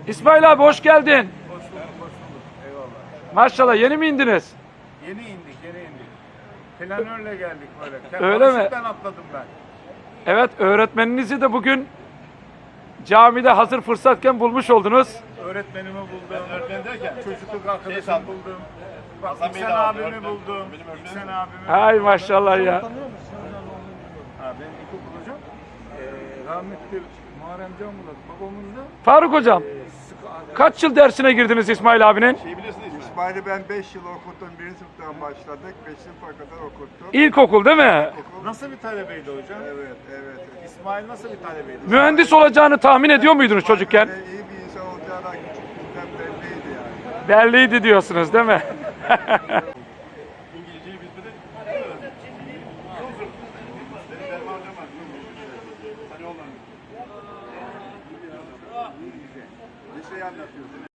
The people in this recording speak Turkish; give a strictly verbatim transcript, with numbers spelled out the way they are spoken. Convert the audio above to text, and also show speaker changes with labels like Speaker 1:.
Speaker 1: İsmail abi hoş geldin.
Speaker 2: Hoş bulduk, hoş bulduk. Eyvallah.
Speaker 1: Maşallah yeni mi indiniz?
Speaker 2: Yeni indik, yeni indik. Planörle geldik böyle.
Speaker 1: Öyle mi?
Speaker 2: Paraşütten atladım ben.
Speaker 1: Evet, öğretmeninizi de bugün camide hazır fırsatken bulmuş oldunuz.
Speaker 2: Öğretmenimi buldum. Öğretmen derken? Çocukluk arkadaşımı
Speaker 3: sandım.
Speaker 2: buldum. Bak,
Speaker 3: Hasan Bey'i
Speaker 2: İhsan
Speaker 3: de aldım,
Speaker 2: abimi
Speaker 3: öğretmen.
Speaker 2: buldum.
Speaker 3: Benim öğretmenim.
Speaker 2: İhsan abimi
Speaker 1: Hay
Speaker 2: buldum.
Speaker 1: maşallah ya.
Speaker 2: Ha, benim ilkokul hocam. Ee, rahmetli Muharrem Can Murat babamız da
Speaker 1: Faruk hocam,
Speaker 2: e, sıkı arkadaş.
Speaker 1: kaç yıl dersine girdiniz İsmail abinin?
Speaker 3: Şeyi biliyorsunuz İsmail.
Speaker 4: İsmail'i ben beş yıl okuttum. Birinci sınıftan başladık. beş sınıfa kadar okuttum.
Speaker 1: İlkokul değil mi?
Speaker 4: Okul.
Speaker 2: Nasıl bir talebeydi hocam?
Speaker 4: Evet, evet.
Speaker 2: İsmail nasıl bir talebeydi?
Speaker 1: Mühendis olacağını tahmin ediyor muydunuz çocukken?
Speaker 4: Ve iyi bir insan olacağı da küçüklükten belliydi yani.
Speaker 1: Belliydi diyorsunuz değil mi?
Speaker 3: İngilizceyi biz bir de öğrendik. Çok zor. Benim Derman hocam var. Hani ondan.
Speaker 4: Bir şey anlatıyorsun.